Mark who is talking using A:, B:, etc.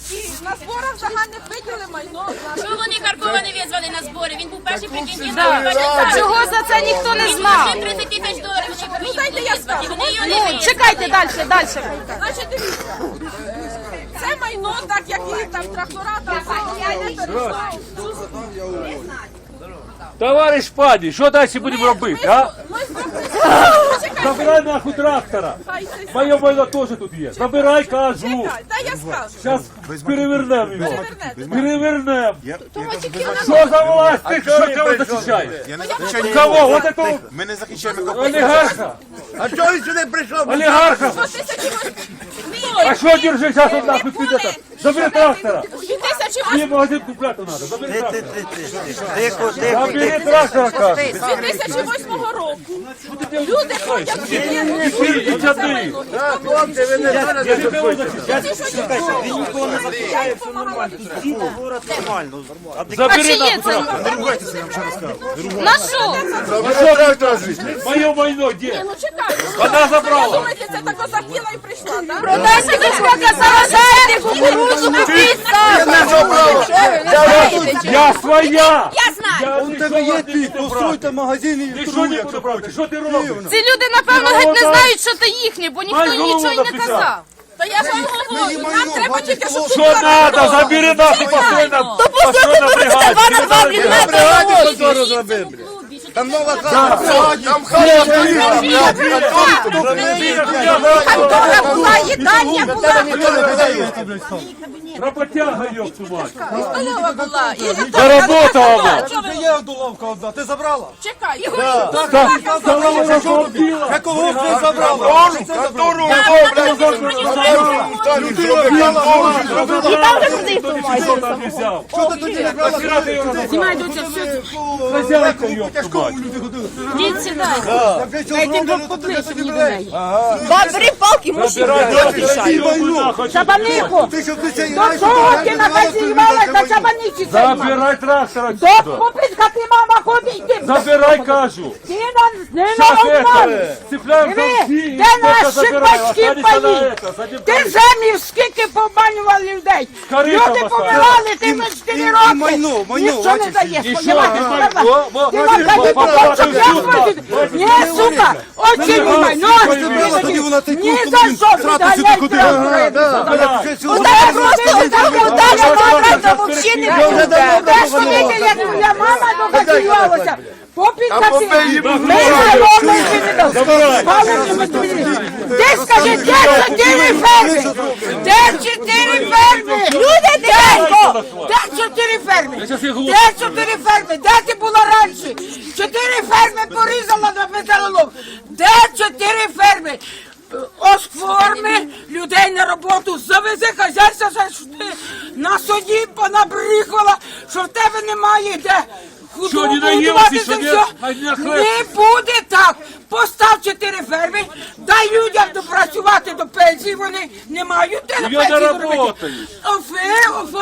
A: І на зборах загальних виділи майно.
B: Чого вони Харкова не визвали на збори? Він був перший претендент.
C: Чого за це ніхто не знав?
B: Він 30 тисяч доларів, що повинні
A: дайте я скажу.
B: Вони його не визвали.
C: Чекайте далі.
A: Значить, дивіться, це майно, так як і там трактора, там я не перезнав.
D: Товариш пані, що далі будемо робити, а?
A: Ми зробили.
D: Забирай нахуй трактора. Моє майно теж тут є. Забирай, кажу.
A: Дай я скажу.
D: Зараз перевернемо його.
A: Перевернете.
D: Перевернемо. Що за власть? Ти що кого захищаєш?
E: Я не захищаю
D: Кого?
E: нікого.
D: Вот этого
E: Ми не захищаємо нікого.
D: олігарха?
E: А чого він сюди прийшов?
D: Олігарха? А що держи, зараз он нахуй піде? Забери трактора.
A: 2008
D: Мені магазин купляти треба. Забери трактора. Забери трактора, кажу.
A: 2008 року люди ходять в селі.
D: І чади.
E: Хлопці, ви не знаєте,
D: Я тебе захищаю.
A: Він нікого не захищає, все нормально.
D: Забери
C: Чиє
D: нахуй
C: це?
D: трактора.
C: На що?
D: Моє майно, де?
A: Ну чекай.
D: Вона забрала.
A: Думаєте, це так захотіла і прийшла, так?
C: Продайте дешевка, заражайте кукурудзу, купіть сам.
D: Я своя.
B: Я знаю.
D: У тебе є ти,
F: Постройте магазин і
D: Ти що не буду брати? Що ти робиш?
C: Ці люди, напевно, геть не знають, що це їхнє, бо ніхто
D: Май голову
C: нічого й не
D: написав.
C: казав.
A: Та я ж вам говорю, нам треба тільки, щоб
D: Що надо? Забери нахуй, постой на бригаді.
C: 2 на 2, блін,
E: Там нова хата. Там хата.
A: Контора була, їдальня була,
D: Роботяга, ёб твою мать.
A: столова була.
D: Заработала вона.
F: Це є одоловка одна, ти забрала?
A: Чекай,
D: Столову розбила.
F: Якого ти забрала?
D: Що ти тоді не брала? Хазяйка, ёб твою мать.
C: Діть сідай.
A: бери палки,
D: Забирай трактор.
A: Чабанику!
E: Ти що ти цей
A: До чого ти на базі на чабаниці?
D: Забирай трактор отсюда.
A: Купітка ти, мама, ходить, ти
D: Забирай, кажу.
A: не на
D: Сейчас
A: обман!
D: это, цепляем
A: Диви, де наші батьки паї? Ти землі скільки побанювали людей?
D: Корита
A: Люди
D: поставили.
A: помирали, ти на 4 роки.
F: майно,
A: Ніщо не даєш.
D: І що
A: понімаєш?
D: ти майно?
A: Ти вам дай побачив, я платю. Ні, сука, очі не майно. Ні за що відганяй трактори. Удар просто ударя мама, то взагалі не буде. Де ж вони, як моя мама доказувалася? Попітка ти, ми Де скажи, де 4 ферми? Де 4 ферми? Люди, тихенько! Де 4 ферми? Де 4 ферми? Де ти була раніше? 4 ферми порізала на металолом. Де 4 ферми? Оформи людей на роботу, завези хазяйство, що ти на суді понабріхала, що в тебе немає де.
D: Що, не
A: Годувати
D: наїлися,
A: це
D: що
A: все.
D: не хлеб?
A: Не буде так. Постав 4 ферми, дай людям допрацювати до пенсії, вони не мають де на
D: Я не
A: пенсії зробити.
D: работаю.